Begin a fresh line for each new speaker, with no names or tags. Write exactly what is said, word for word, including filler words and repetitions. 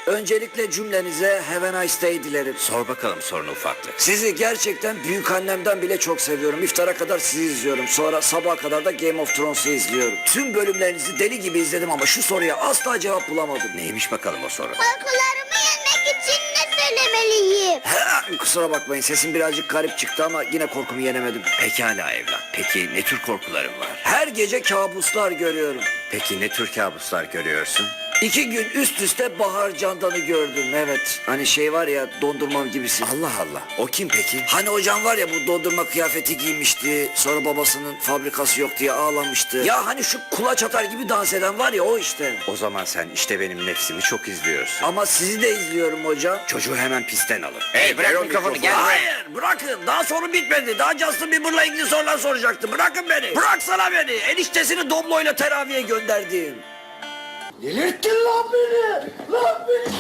Öncelikle cümlenize have a nice day dilerim.
Sor bakalım sorunu ufaklık.
Sizi gerçekten büyük annemden bile çok seviyorum. İftara kadar sizi izliyorum. Sonra sabaha kadar da Game of Thrones'u izliyorum. Tüm bölümlerinizi deli gibi izledim ama şu soruya asla cevap bulamadım.
Neymiş bakalım o soru?
Korkularımı yenmek için ne söylemeliyim?
He, kusura bakmayın, sesim birazcık garip çıktı ama yine korkumu yenemedim.
Pekala evlat. Peki ne tür korkuların var?
Her gece kabuslar görüyorum.
Peki ne tür kabuslar görüyorsun?
İki gün üst üste Bahar Candan'ı gördüm, evet. Hani şey var ya, dondurmam gibisi.
Allah Allah. O kim peki?
Hani hocam var ya, bu dondurma kıyafeti giymişti. Sonra babasının fabrikası yok diye ağlamıştı. Ya hani şu kulaç atar gibi dans eden var ya, o işte.
O zaman sen işte benim nefsimi çok izliyorsun.
Ama sizi de izliyorum hocam.
Çocuğu hemen pistten alın.
Hey, bırak
ver o
mikrofonu,
mikrofonu.
gel.
Hayır, bırakın. Daha sorun bitmedi. Daha Justin Bieber'la ilgili sorular soracaktım. Bırakın beni. Bıraksana beni. Eniştesini Doblo'yla teraviye gönderdim.
Delirttin lan beni! Lan beni